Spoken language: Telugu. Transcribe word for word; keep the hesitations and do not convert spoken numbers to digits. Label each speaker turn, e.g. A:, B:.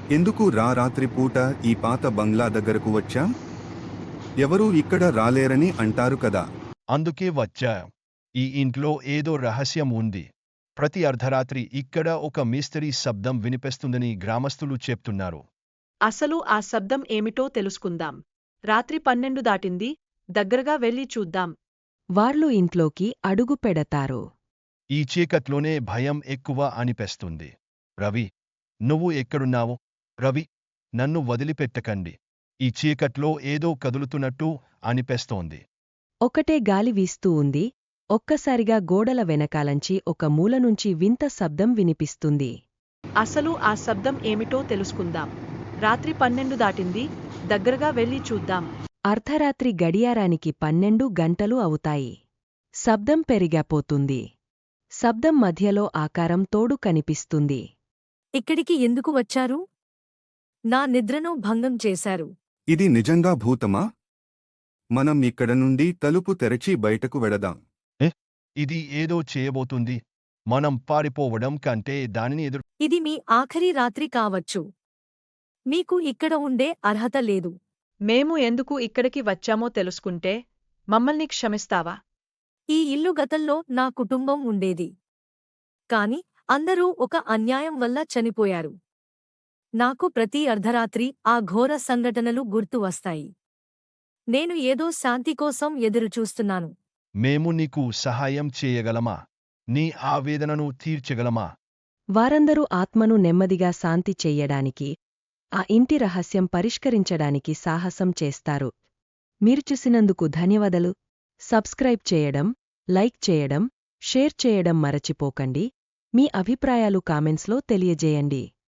A: ఎందుకు రా రాత్రిపూట ఈ పాత బంగ్లా దగ్గరకు వచ్చాం? ఎవరూ ఇక్కడ రాలేరని అంటారు కదా.
B: అందుకే వచ్చా. ఈ ఇంట్లో ఏదో రహస్యం ఉంది. ప్రతి అర్ధరాత్రి ఇక్కడ ఒక మిస్టరీ శబ్దం వినిపిస్తుందని గ్రామస్తులు చెప్తున్నారు.
C: అసలు ఆ శబ్దం ఏమిటో తెలుసుకుందాం. రాత్రి పన్నెండు దాటింది, దగ్గరగా వెళ్ళి చూద్దాం.
D: వాళ్లు ఇంట్లోకి అడుగు పెడతారు.
B: ఈ చీకట్లోనే భయం ఎక్కువ అనిపిస్తుంది. రవి, నువ్వు ఎక్కడున్నావు? రవి, నన్ను వదిలిపెట్టకండి. ఈ చీకట్లో ఏదో కదులుతున్నట్టు అనిపిస్తోంది.
D: ఒకటే గాలి వీస్తూ ఉంది. ఒక్కసారిగా గోడల వెనకాలంచి ఒక మూలనుంచి వింత శబ్దం వినిపిస్తుంది.
C: అసలు ఆ శబ్దం ఏమిటో తెలుసుకుందాం. రాత్రి పన్నెండు దాటింది, దగ్గరగా వెళ్ళి చూద్దాం.
D: అర్ధరాత్రి గడియారానికి పన్నెండు గంటలు అవుతాయి. శబ్దం పెరిగాపోతుంది. శబ్దం మధ్యలో ఆకారం తోడు కనిపిస్తుంది.
E: ఇక్కడికి ఎందుకు వచ్చారు? నా నిద్రను భంగం చేశారు.
A: ఇది నిజంగా భూతమా? మనం ఇక్కడ నుండి తలుపు తెరచి బయటకు వెడదాం.
B: ఇది ఏదో చేయబోతుంది. మనం పారిపోవడం కంటే దానిని ఎదురు.
E: ఇది మీ ఆఖరి రాత్రి కావచ్చు. మీకు ఇక్కడ ఉండే అర్హత లేదు.
C: మేము ఎందుకు ఇక్కడికి వచ్చామో తెలుసుకుంటే మమ్మల్ని క్షమిస్తావా?
E: ఈ ఇల్లు గతంలో నా కుటుంబం ఉండేది. కాని అందరూ ఒక అన్యాయం వల్ల చనిపోయారు. నాకు ప్రతి అర్ధరాత్రి ఆ ఘోర సంఘటనలు గుర్తు వస్తాయి. నేను ఏదో శాంతి కోసం ఎదురుచూస్తున్నాను.
B: మేము నీకు సహాయం చేయగలమా? నీ ఆవేదనను తీర్చగలమా?
D: వారందరూ ఆత్మను నెమ్మదిగా శాంతి చెయ్యడానికి, ఆ ఇంటి రహస్యం పరిష్కరించడానికి సాహసం చేస్తారు. మీరు చూసినందుకు ధన్యవాదాలు. సబ్స్క్రైబ్ చేయడం, లైక్ చేయడం, షేర్ చేయడం మరచిపోకండి. మీ అభిప్రాయాలు కామెంట్స్లో తెలియజేయండి.